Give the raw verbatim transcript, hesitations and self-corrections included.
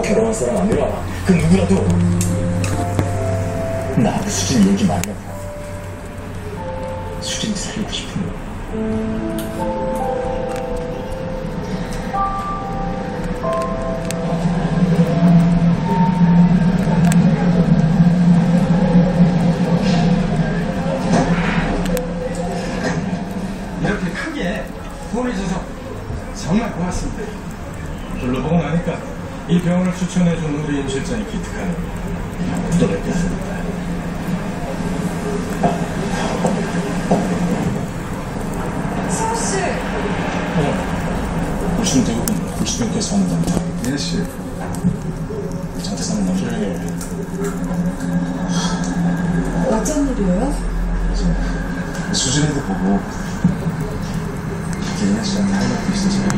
결혼할 사람 아니라 그 누구라도 나하고 수진 얘기 말라고. 수진이 살고 싶은 거. 이렇게 크게 후원해줘서 정말 고맙습니다. 둘러보고 나니까 이 병원을 추천해준 우리 임 실장이 기특하네. 또 뵙겠습니다. 승우씨! 어, 울신 대부분 굴수병께서 하는 겁니다. 예씨. 장태산은 나중에 어쩐 일이에요? 수진이도 보고 기린아 씨한테 할 말도 있어서